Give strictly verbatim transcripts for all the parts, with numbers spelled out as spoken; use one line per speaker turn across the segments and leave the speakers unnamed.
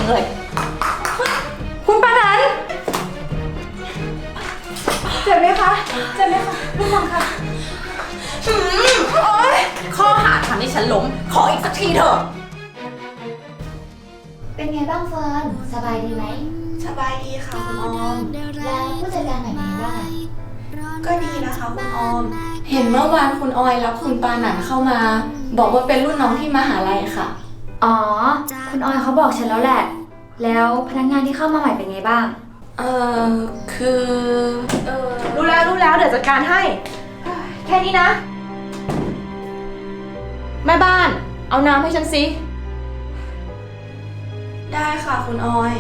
งเลย
คุณปานันเจ็บไหมคะเจ็บไหมคะระวังค่ะ
โอ๊ยข้อหาทำให้ฉันล้มขออีกสักทีเถอะ
เป็นไงบ้างเฟิร์นสบายดีไหม
สบายดีค่ะคุณออม
แล้วผู้จัดการใหม่เป็นไงบ้าง
ก็ดีนะคะคุณออมเห็นเมื่อวานคุณออยรับคุณปานันเข้ามาบอกว่าเป็นรุ่นน้องที่มหาลัยค่ะ
อ๋อคุณออยเขาบอกฉันแล้วแหละแล้วพนักงานที่เข้ามาใหม่เป็นไงบ้าง
เออคือ
เออรู้แล้วรู้แล้วเดี๋ยวจัดการให้แค่นี้นะแม่บ้านเอาน้ำให้ฉันสิ
ได้ค่ะคุณออย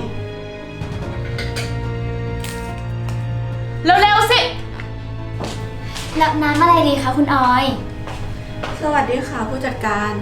เร็วๆสิ
รับน้ำอะไรดีคะคุณออย
สวัสดีค่ะผู้จัดการ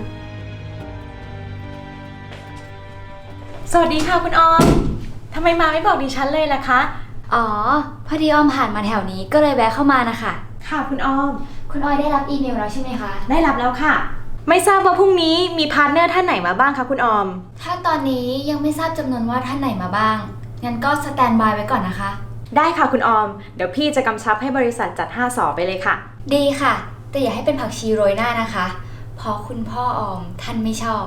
สวัสดีค่ะคุณออมทำไมมาไม่บอกดิฉันเลยล่ะคะ
อ๋อพอดีออมผ่านมาแถวนี้ก็เลยแวะเข้ามานะคะ
ค่ะคุณออม
คุณออยได้รับอีเมลแล้วใช่ไหมคะ
ได้รับแล้วค่ะไม่ทราบว่าพรุ่งนี้มีพาร์ทเนอร์ท่านไหนมาบ้างคะคุณออม
ถ้าตอนนี้ยังไม่ทราบจำนวนว่าท่านไหนมาบ้างงั้นก็สแตนบายไว้ก่อนนะคะ
ได้ค่ะคุณออมเดี๋ยวพี่จะกำชับให้บริษัทจัดห้าสอไปเลยค่ะ
ดีค่ะแต่อย่าให้เป็นผักชีโรยหน้านะคะเพราะคุณพ่อออมท่านไม่ชอบ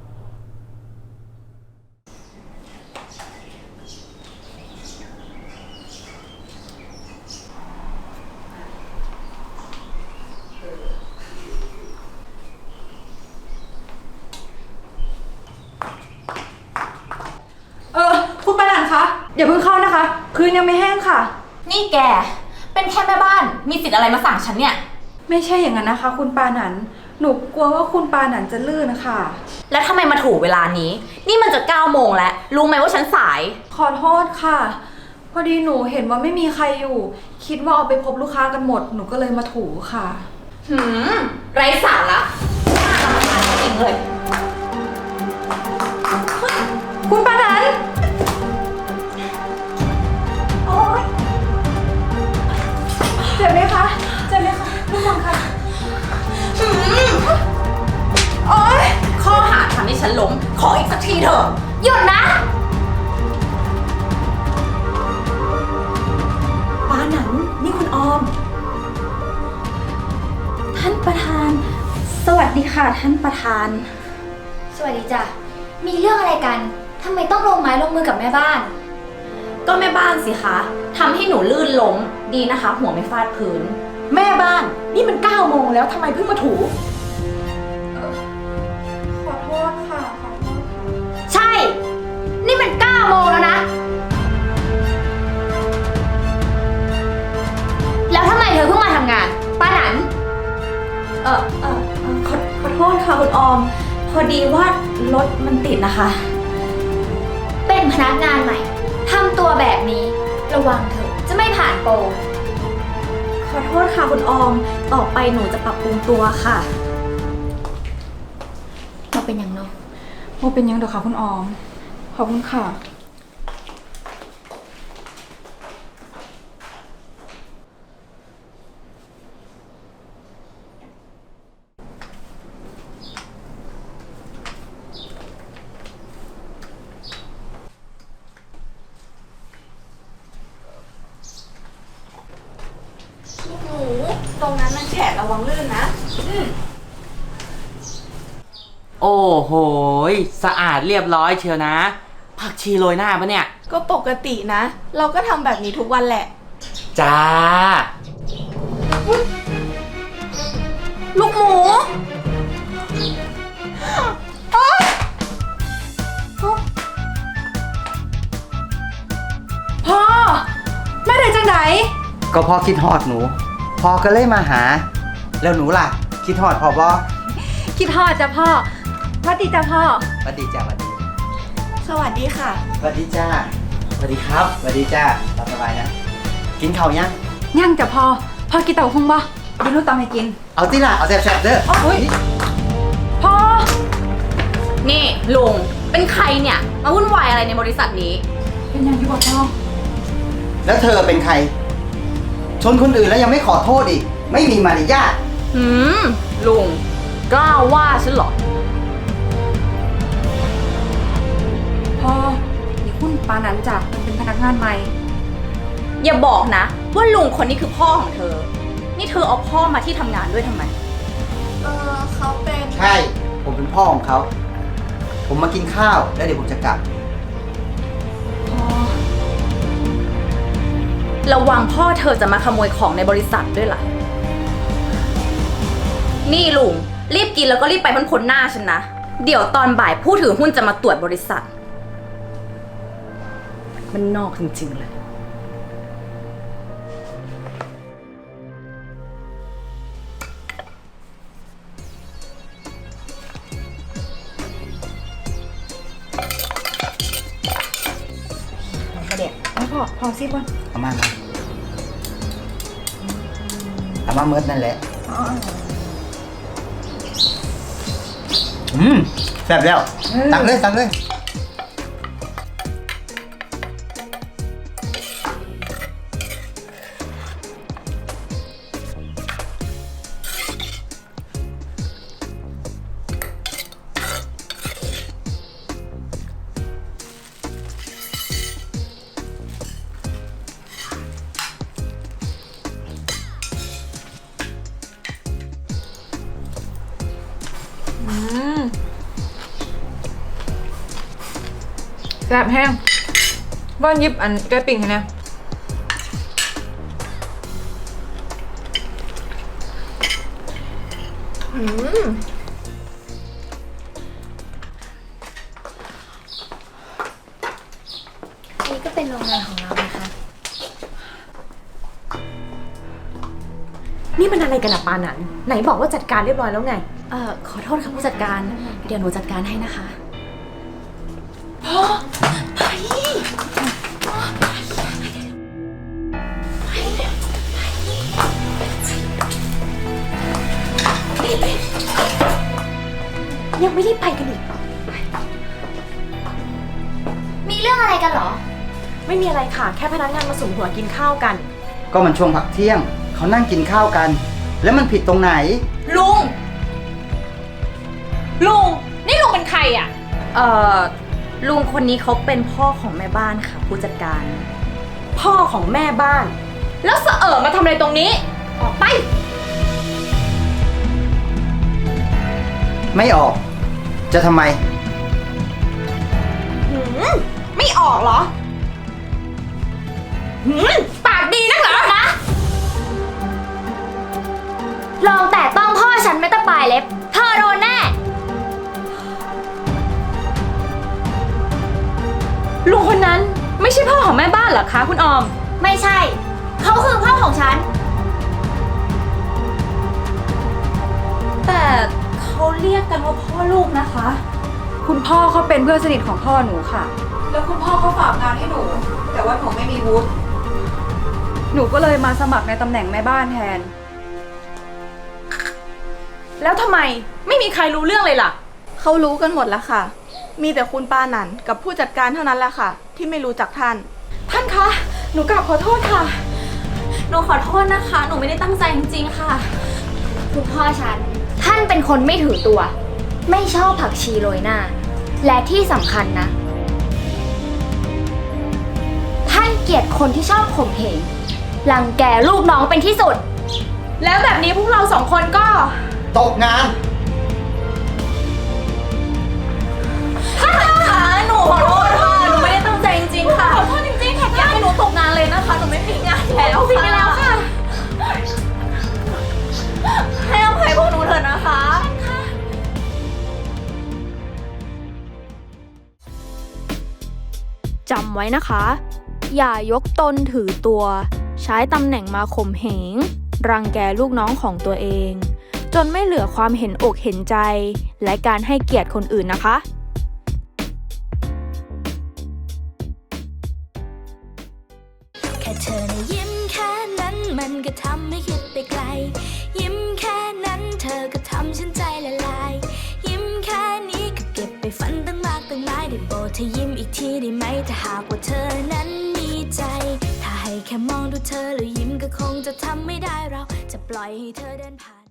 เออคุณปานันคะอย่าเพิ่งเข้านะคะพื้นยังไม่แห้งค่ะ
นี่แกเป็นแค่แม่บ้านมีสิทธิ์อะไรมาสั่งฉันเนี่ย
ไม่ใช่อย่างนั้นนะคะคุณปานันหนูกลัวว่าคุณปานันจะลื่นนะคะ
แล้วทำไมมาถูกเวลานี้นี่มันจะเก้าโมงแล้วรู้ไหมว่าฉันสาย
ขอโทษค่ะพอดีหนูเห็นว่าไม่มีใครอยู่คิดว่าเอาไปพบลูกค้ากันหมดหนูก็เลยมาถูค่ะ
หืมไร้สาระน่ารำคาญจริงเลย
คุณปานันโอ๊ยเจ็บไหมคะเจ็บไหมคะระวังค่ะ
โอ๊ยข้อหาทำให้ฉันล้มขออีกสักทีเถอะ
หยุดนะ
ปาหนันนี่คุณออมท่านประธานสวัสดีค่ะท่านประธาน
สวัสดีจ้ะมีเรื่องอะไรกันทำไมต้องลงไม้ลงมือกับแม่บ้าน
ก็แม่บ้านสิคะทำให้หนูลื่นล้มดีนะคะหัวไม่ฟาดพื้นแม่บ้านนี่มันเก้าโมงแล้วทำไมเพิ่งมาถู
ขอโทษค่ะขอโทษค่ะ
ใช่นี่มันเก้าโมงแล้วนะแล้วทำไมเธอเพิ่งมาทำงานป้าหนัน
เออเออขอขอโทษค่ะคุณออมพอดีว่ารถมันติดนะคะ
เป็นพนักงานใหม่ทำตัวแบบนี้ระวังเถอะจะไม่ผ่านโปร
ขอโทษค่ะคุณออมต่อไปหนูจะปรับปรุงตัวค่ะ
มาเป็นยังเนาะ
มาเป็นยังเดี๋ยวค่ะคุณออมขอบคุณค่ะตรงนั้นมันแฉะระวังลื่นนะ
โอ้โหสะอาดเรียบร้อยเชียวนะผักชีโรยหน้าปะเนี่ย
ก็ปกตินะเราก็ทำแบบนี้ทุกวันแหละ
จ้า
ลูกหมูพ่อแม่ได้จังไหน
ก็พ่อคิดฮอดหนูพ่อก็เลยมาหาแล้วหนูล่ะคิดฮอดพ่อบ่
คิดฮอดจ้ะพ่อสวัสดีจ้ะพ่อ
สวัสดีจ้าสวัสดี
สวัสดีค่ะ
สวัสดีจ้าสวัสดีครับสวัสดีจ้าตามสบายนะกินข้าวยัง
ยังจ้ะพ่อพ่อกินเต่าคงบ่เดี๋ยวหนูตามให้กิน
เอาติล่ะเอาแซ่บๆเด้อ
พ่อ
นี่ลุงเป็นใครเนี่ยมาวุ่นวายอะไรในบริษัทนี้
เป็นยังที่บอกพ่อ
แล้วเธอเป็นใครชนคนอื่นแล้วยังไม่ขอโทษอีกไม่มีมารยาท
หืมลุงกล้าว่าฉันเหรอ
พ่อนั้นจ้ะมันเป็นพนักงานใหม่
อย่าบอกนะ ว่าลุงคนนี้คือพ่อของเธอ นี่เธอเอาพ่อมาที่ทำงานด้วยทำไม
เออเขาเป็น
ใช่ ผมเป็นพ่อของเขา ผมมากินข้าวแล้วเดี๋ยวผมจะกลับ
ระวังพ่อเธอจะมาขโมยของในบริษัทด้วยล่ะ นี่ลุงรีบกินแล้วก็รีบไปพ้นๆหน้าฉันนะ เดี๋ยวตอนบ่ายผู้ถือหุ้นจะมาตรวจบริษัท มันนอกจริงๆเลย
เด็กไม่พอพอซิบอน
เอามามาเอามาเมิดนั่นแหละ อืมแซ่บแล้ว ตักเลยตักเลย
แซ่บแห้งว่านยิบอันแก้ปิ่งให้นะอืม
นี่ก็เป็นโรงงานของเรานะคะ
นี่มันอะไรกันอะปานันไหนบอกว่าจัดการเรียบร้อยแล้วไง
เอ่อขอโทษค่ะผู้จัดการ เดี๋ยวหนูจัดการให้นะคะ
ยังไม่ได้ไปกันอีก
มีเรื่องอะไรกันเหรอ
ไม่มีอะไรค่ะ แค่พนักงานมาสุ่มหัวกินข้าวกัน
ก็มันช่วงพักเที่ยง เขานั่งกินข้าวกัน แล้วมันผิดตรงไหน
ลุง ลุง นี่ลุงเป็นใครอ่ะ เอ่อ ลุงคนนี้เขาเป็นพ่อของแม่บ้านค่ะ ผู้จัดการ
พ่อของแม่บ้าน
แล้วเสอะมาทำอะไรตรงนี้ ออกไป
ไม่ออก จะทำไม
หืม ไม่ออกเหรอ หืม ปากดีนักเหรอนะ
ลองแต่ต้องพ่อฉันไม่ตะปลายเล็บ เธอโดนแน่
ลุงคนนั้นไม่ใช่พ่อของแม่บ้านเหรอคะคุณออม
ไม่ใช่ เขาคือพ่อของฉัน
แต่เขาเรียกกันว่าพ่อลูกนะคะ
คุณพ่อเขาเป็นเพื่อนสนิทของพ่อหนูค่ะ แล้วคุณพ่อเขาฝากงานให้หนู แต่ว่าหนูไม่มีวุฒิหนูก็เลยมาสมัครในตำแหน่งแม่บ้านแทน
แล้วทำไมไม่มีใครรู้เรื่องเลยล่ะ
เขารู้กันหมดแล้วค่ะ มีแต่คุณปาหนันกับผู้จัดการเท่านั้นแหละค่ะ ที่ไม่รู้จักท่าน
ท่านคะ หนูกราบขอโทษค่ะ
หนูขอโทษนะคะ หนูไม่ได้ตั้งใจจริงๆค่ะ
คุณพ่อฉัน ท่านเป็นคนไม่ถือตัว ไม่ชอบผักชีโรยหน้า และที่สำคัญนะ ท่านเกลียดคนที่ชอบข่มเหงรังแกลูกน้องเป็นที่สุด
แล้วแบบนี้พวกเราสองคนก็
ตกงาน
ค่ะหนูขอโทษค่ะ หนูไม่ได้ตั้งใจจริงๆค่ะ ขอโทษจริงๆค่ะอย่าให้หนูตกงานเลยนะคะ หนูไม่มีงานแล้วค่ะไปแล้วค่ะ ให้อภัยพวกหนูเถอะนะคะ
จำไว้นะคะ อย่ายกตนถือตัว ใช้ตำแหน่งมาข่มเหง รังแกลูกน้องของตัวเอง จนไม่เหลือความเห็นอกเห็นใจ และการให้เกียรติคนอื่นนะคะ
แค่เธอนะยิ้มแค่นั้นมันก็ทำให้คิดไปไกล ยิ้มแค่นั้นเธอก็ทำฉันใจละลาย ยิ้มแค่นี้ก็เก็บไปฝันตั้งมากตั้งหลายได้โปรดเธอยิ้มอีกทีได้ไหมถ้าหากว่าเธอนั้นมีใจ ถ้าให้แค่มองดูเธอแล้วยิ้มก็คงจะทำไม่ได้เราจะปล่อยให้เธอเดินผ่าน